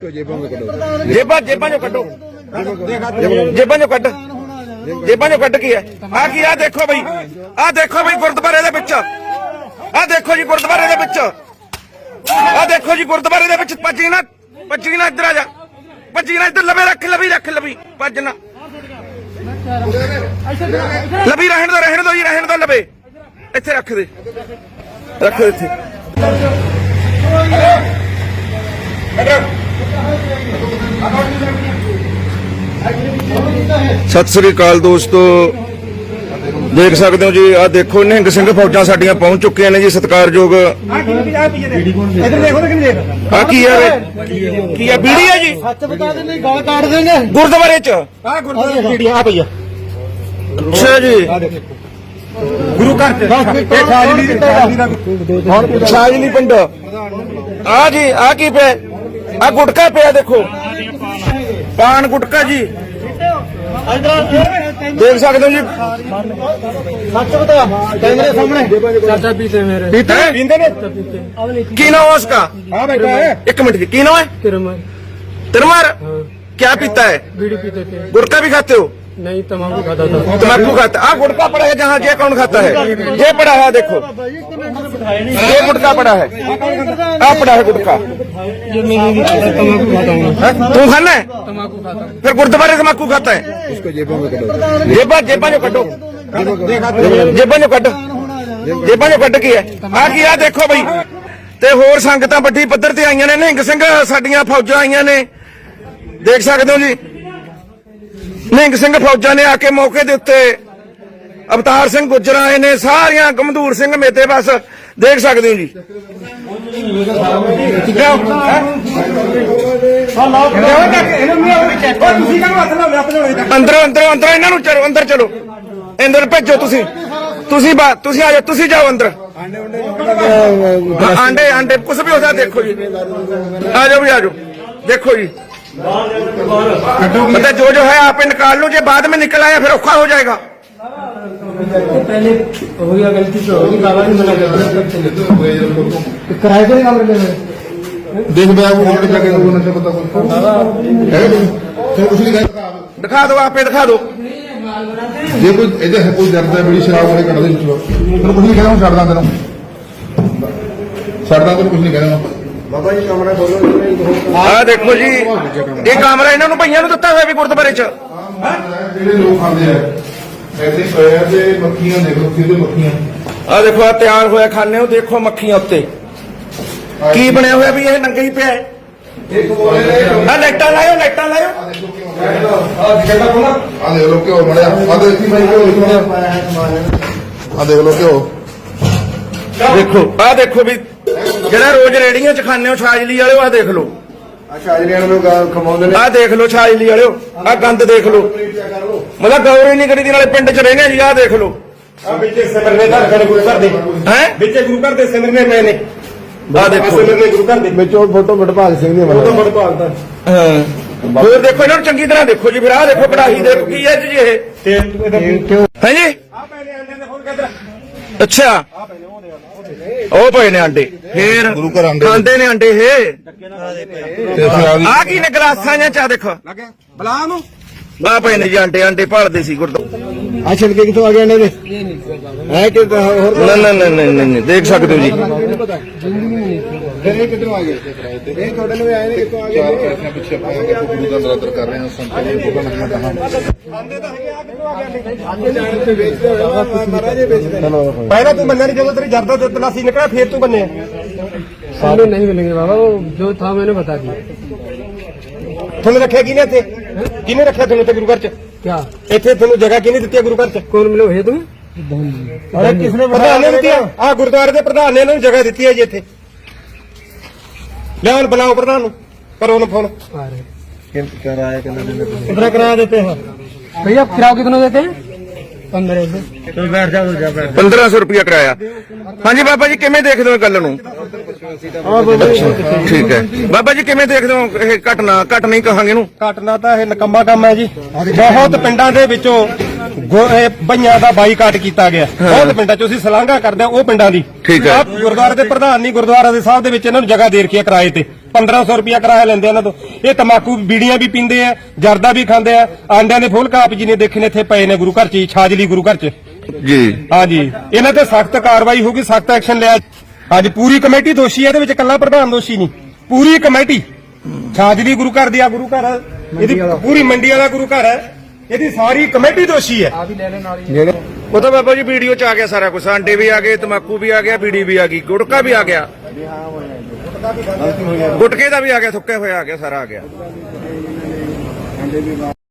जेबा जेबा जो कटो जेबा जो कट जेबा जो कट की है आ देखो भाई गुरुद्वारे दे विच आ देखो जी गुरुद्वारे दे विच आ देखो जी गुरुद्वारे दे विच भज्जी ना इधर आ जा भज्जी ना इधर लबे रख लबी भजना लबी रहन दो लबे इत्थे रख दे इत्थे सत श्री अकाल दोस्तों, देख सकते हो जी आ देखो निहंग सिंह फौजां साडियां पहुंच चुके हैं जी सत्कारयोग। की है बीड़ी है जी गुरुद्वारे च अच्छा जी गुरु घर छाजली पिंड आ जी आ की पे आ गुटका पे देखो पान गुटका जी देख सकते हो जी कैमरे सामने चाचा पीते मेरे पीते की नाम है उसका एक मिनट जी की नाम है तिरमार क्या पीता है बीड़ी पीते थे गुटका भी खाते हो नहीं तम्बाकू खाता था तम्बाकू खाता आ गुटका पड़ा है जहाँ ये कौन खाता है ये पड़ा है देखो ये गुटका पड़ा है आ पड़ा है गुटका तू खाना है तम्बाकू खाता फिर गुरुद्वारे तम्बाकू खाता है उसको जेबा जो कटो जेबा जो कट की है आ देखो भाई ते होर संगतां वड्डी पੱਧਰ ਤੇ आईयां ने निहंग सिंह साडियां फौजां आईयां ने देख सकते हो जी निहंग सिंह फौजां ने आके मौके के उत्ते अवतार सिंह गुज्जर आए ने सारियां गमदूर सिंह मेते बस देख सकते हो जी अंदर इन्हां नूं चलो अंदर चलो अंदर भेजो तुसी आ जाओ जाओ अंदर आंडे कुछ भी होता देखो जी आ जाओ देखो जी मतलब जो है आप निकाल लो, जो बाद में निकल आया फिर औखा हो जाएगा। पहले हो गया गलती तो होगी बाबा ने मना कर किराए के काम देख दिखा दो आप दिखा दो जे कोई डरदा बड़ी शराब वाले कट दे कुछ नहीं कहना छड़दा तेन कुछ नहीं कहना बाबा जी कमरा बोलो आ देखो जी ये कमरा इन्होंने भैया दिता हुआ भी गुरुद्वारे च लोग खाते हैं ऐसे पे मक्खियां देखो सीधे मक्खियां आ देखो आ तैयार होया खाने हो देखो मक्खियां उत्ते की बनया हुआ भी ये नंगा ही पे है लाइटां लाओ आ देख लो क्यों बड़ा आ देख लो क्यों देखो आ देखो भी जरा रोज रेड़ियां च खाने हो छाजली वाले आ देख लो आ देख लो छाजली वाले आ गंद देख लो मतलब गौर ही नहीं करी दी नाले पिंड च रहने जी आ देख लो फोटो वडभाग सिंह फिर देखो इन्होंने चंगी तरह देखो जी फिर आ देखो कड़ाही देखो की है जी है जी अच्छा ਉਹ ਪਏ ਨੇ ਆਂਡੇ ਫੇਰ ਖਾਂਦੇ ਨੇ ਆਂਡੇ ਇਹ ਆ ਕੀ ਨੇ ਗਲਾਸਾਂ ਜਾਂ ਚਾ ਦੇਖੋ ਬਲਾ ਨੂੰ ਆ ਪਏ ਨੇ ਜੀ ਆਂਡੇ ਭਾਲਦੇ ਸੀ ਗੁਰਦੋ ਆ ਛਿਲਕੇ ਕਿੱਥੋਂ ਆ ਗਏ ਨੇ ਹੈ ਕਿ ਹੋਰ ਨਹੀਂ ਦੇਖ ਸਕਦੇ ਹੋ ਜੀ फिर ये कितने आ गए ये थोड़े में आए कितने आ गए पीछे गुरु का नरादर कर रहे हैं संत को लगना पहला तू बनने जब तेरी जर्दा तलाशी निकला फिर तू बने सामने नहीं मिलेंगे बाबा वो जो था मैंने बता दिया तुमने रखा किने रखा तुमने गुरु घर च क्या इतने तुम जगह किने दी गुरु घर च कौन मिले है तुम्हें अरे किसने प्रधान ने दिया आ गुरुद्वारे के प्रधान ने इन्होंने जगह दी है जी इतने लिया बुलाओ प्रधान करो फोन कितना किराया देते हैं भैया किराया कितना देते हैं 1500 रुपया किराया। हाँ जी बाबा जी किवें देखदे हो गल नूं ठीक है बाबा जी किवें देखदे हो ਇਹ ਘਟ ਨਹੀਂ ਕਹਾਂਗੇ ਇਹਨੂੰ ਘਟਨਾ ਤਾਂ ਇਹ ਨਕੰਮਾ ਕੰਮ ਹੈ ਜੀ ਬਹੁਤ ਪਿੰਡਾਂ ਦੇ ਵਿੱਚੋਂ ਬਈਆਂ ਦਾ ਬਾਈਕਾਟ ਕੀਤਾ ਗਿਆ ਬਹੁਤ ਪਿੰਡਾਂ 'ਚ ਅਸੀਂ ਸਲਾਘਾ ਕਰਦੇ ਹਾਂ ਉਹ ਪਿੰਡਾਂ ਦੀ ਠੀਕ ਹੈ ਗੁਰਦੁਆਰੇ ਦੇ ਪ੍ਰਧਾਨ ਨਹੀਂ ਗੁਰਦੁਆਰਾ ਦੇ ਸਾਹਿਬ ਦੇ ਵਿੱਚ ਇਹਨਾਂ ਨੂੰ ਜਗ੍ਹਾ ਦੇ ਰੱਖੀ ਹੈ ਕਿਰਾਏ ਤੇ 1500 ਰੁਪਇਆ ਕਿਰਾਇਆ ਲੈਂਦੇ ਇਹਨਾਂ ਤੋਂ। ਇਹ ਤਮਾਕੂ ਬੀੜੀਆਂ ਵੀ ਪੀਂਦੇ ਆ, ਜਰਦਾ ਵੀ ਖਾਂਦੇ ਆ, ਆਂਡਿਆਂ ਦੇ ਫੁੱਲ ਕਾਪ ਜੀ ਨੇ ਦੇਖੇ ਨੇ ਇੱਥੇ ਪਏ ਨੇ ਗੁਰੂ ਘਰ 'ਚ ਹੀ, ਛਾਜਲੀ ਗੁਰੂ ਘਰ 'ਚ। ਜੀ ਹਾਂਜੀ, ਇਹਨਾਂ ਤੇ ਸਖਤ ਕਾਰਵਾਈ ਹੋਊਗੀ, ਸਖਤ ਐਕਸ਼ਨ ਲਿਆ। ਹਾਂਜੀ, ਪੂਰੀ ਕਮੇਟੀ ਦੋਸ਼ੀ ਹੈ, ਇਹਦੇ ਵਿੱਚ ਇਕੱਲਾ ਪ੍ਰਧਾਨ ਦੋਸ਼ੀ ਨਹੀਂ, ਪੂਰੀ ਕਮੇਟੀ। ਛਾਜਲੀ ਗੁਰੂ ਘਰ ਦੀ ਆ ਗੁਰੂ ਘਰ, ਇਹਦੀ ਪੂਰੀ ਮੰਡੀ ਵਾਲਾ ਗੁਰੂ ਘਰ ਹੈ, ਇਹਦੀ ਸਾਰੀ ਕਮੇਟੀ ਦੋਸ਼ੀ ਹੈ। ਉਹ ਤਾਂ ਬਾਬਾ ਜੀ ਵੀਡੀਓ ਚ ਆ ਗਿਆ ਸਾਰਾ ਕੁਝ, ਆਂਡੇ ਵੀ ਆ ਗਏ, ਤਮਾਕੂ ਵੀ ਆ ਗਿਆ, ਬੀੜੀ ਵੀ ਆ ਗਈ, ਗੁਟਕਾ ਵੀ ਆ ਗਿਆ, ਗੁਟਕੇ ਦਾ ਵੀ ਆ ਗਿਆ, ਥੁੱਕੇ ਹੋਇਆ ਆ ਗਿਆ, ਸਾਰਾ ਆ ਗਿਆ।